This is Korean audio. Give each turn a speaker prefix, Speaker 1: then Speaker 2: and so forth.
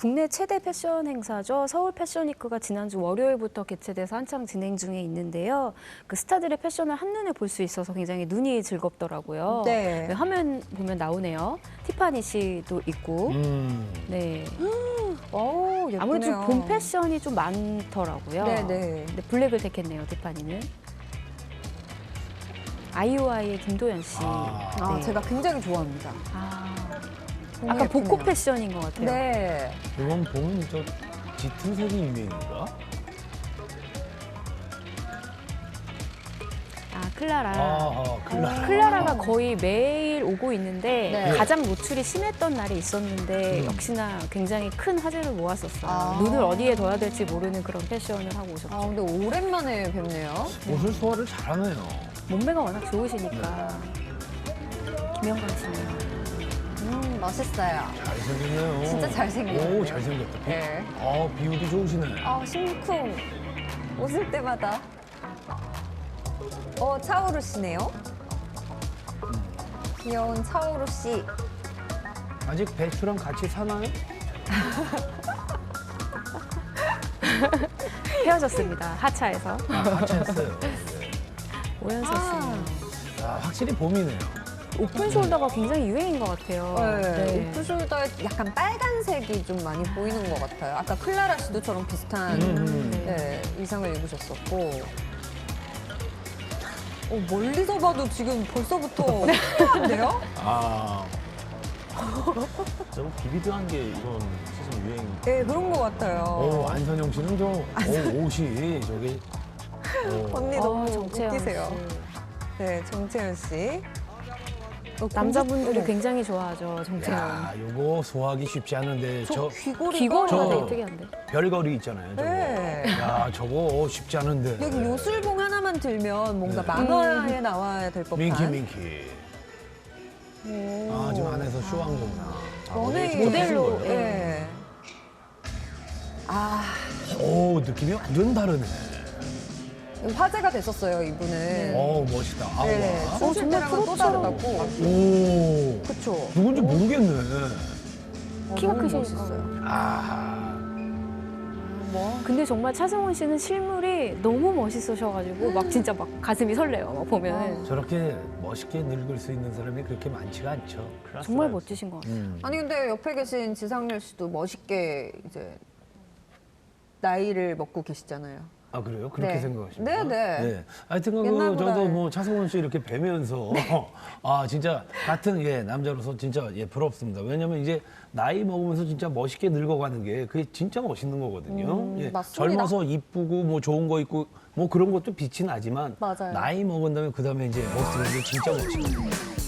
Speaker 1: 국내 최대 패션 행사죠. 서울 패션위크가 지난주 월요일부터 개최돼서 한창 진행 중에 있는데요. 그 스타들의 패션을 한눈에 볼 수 있어서 굉장히 눈이 즐겁더라고요.
Speaker 2: 네.
Speaker 1: 화면 보면 나오네요. 티파니 씨도 있고. 네.
Speaker 2: 오, 예쁘네요.
Speaker 1: 아무래도 좀 봄 패션이 좀 많더라고요.
Speaker 2: 네네.
Speaker 1: 근데 블랙을 택했네요, 티파니는. 아이오아이의 김도연 씨.
Speaker 2: 아,
Speaker 1: 네.
Speaker 2: 제가 굉장히 좋아합니다. 너무
Speaker 1: 아까
Speaker 2: 예쁘네요.
Speaker 1: 복고 패션인 것 같아요.
Speaker 2: 네.
Speaker 3: 이건 보면 저 짙은 색이 유행인가?
Speaker 1: 클라라.
Speaker 3: 클라라.
Speaker 1: 가 거의 매일 오고 있는데
Speaker 2: 네.
Speaker 1: 가장 노출이 심했던 날이 있었는데 역시나 굉장히 큰 화제를 모았었어요. 눈을 어디에 둬야 될지 모르는 그런 패션을 하고 오셨죠.
Speaker 2: 아, 근데 오랜만에 뵙네요.
Speaker 3: 옷을 소화를 잘하네요.
Speaker 1: 몸매가 워낙 좋으시니까. 김영광 씨는.
Speaker 2: 멋있어요.
Speaker 3: 잘생겼네요.
Speaker 2: 진짜 잘생겼네요.
Speaker 3: 오, 잘생겼다.
Speaker 2: 네.
Speaker 3: 비율이 좋으시네.
Speaker 2: 심쿵. 웃을 때마다. 차오루 씨네요. 귀여운 차오루 씨.
Speaker 3: 아직 배추랑 같이 사나요?
Speaker 1: 헤어졌습니다. 하차에서.
Speaker 3: 같이했어요.
Speaker 1: 오연서 씨는.
Speaker 3: 확실히 봄이네요.
Speaker 1: 오픈 숄더가 굉장히 유행인 것 같아요.
Speaker 2: 네. 오프숄더에 약간 빨간색이 좀 많이 보이는 것 같아요. 아까 클라라 씨도 저랑 비슷한 네, 의상을 입으셨었고. 멀리서 봐도 지금 벌써부터 화려한데요?
Speaker 4: 너무 비비드한 게 이런 시즌 유행.
Speaker 2: 네, 그런 것 같아요.
Speaker 3: 안선영 씨는 옷이 저기.
Speaker 2: 언니 너무
Speaker 1: 정채연
Speaker 2: 웃기세요.
Speaker 1: 씨.
Speaker 2: 네, 정채연 씨.
Speaker 1: 남자분들이 굉장히 좋아하죠, 정채연.
Speaker 3: 야, 요거 소화하기 쉽지 않은데
Speaker 2: 저 귀걸이가
Speaker 1: 귀걸이가
Speaker 3: 저-
Speaker 1: 되게 특이한데.
Speaker 3: 별거리 있잖아요. 저거.
Speaker 2: 네.
Speaker 3: 야, 저거 쉽지 않은데.
Speaker 2: 여기 요술봉 하나만 들면 뭔가
Speaker 3: 네.
Speaker 2: 만화에 나와야 될 법한.
Speaker 3: 민키. 지금 안에서 쇼한 거구나.
Speaker 2: 연예인
Speaker 1: 모델로,
Speaker 2: 예. 네.
Speaker 3: 느낌이 완전 다르네.
Speaker 2: 화제가 됐었어요, 이분은.
Speaker 3: 멋있다.
Speaker 2: 네,
Speaker 3: 와.
Speaker 2: 춤출
Speaker 1: 정말
Speaker 2: 때랑은 또
Speaker 1: 프로처럼.
Speaker 2: 다르다고.
Speaker 3: 오.
Speaker 2: 그쵸.
Speaker 3: 누군지 모르겠네.
Speaker 1: 키가
Speaker 2: 너무
Speaker 1: 크시니까.
Speaker 2: 멋있어요.
Speaker 1: 근데 정말 차승원 씨는 실물이 너무 멋있으셔가지고 막 진짜 막 가슴이 설레요. 막 보면은
Speaker 3: 저렇게 멋있게 늙을 수 있는 사람이 그렇게 많지가 않죠.
Speaker 1: 정말 멋지신 것 같아요.
Speaker 2: 아니 근데 옆에 계신 지상렬 씨도 멋있게 이제 나이를 먹고 계시잖아요.
Speaker 3: 아, 그래요? 그렇게
Speaker 2: 네.
Speaker 3: 생각하십니까?
Speaker 2: 네.
Speaker 3: 하여튼
Speaker 2: 옛날보다
Speaker 3: 저도 뭐 차승원 씨 이렇게 뵈면서 진짜 같은 남자로서 진짜 부럽습니다. 왜냐면 이제 나이 먹으면서 진짜 멋있게 늙어가는 게 그게 진짜 멋있는 거거든요.
Speaker 2: 맞습니다.
Speaker 3: 젊어서 이쁘고 뭐 좋은 거 있고 뭐 그런 것도 빛이 나지만
Speaker 2: 맞아요.
Speaker 3: 나이 먹은 다음에 그 다음에 이제 멋있는 게 진짜 멋있거든요.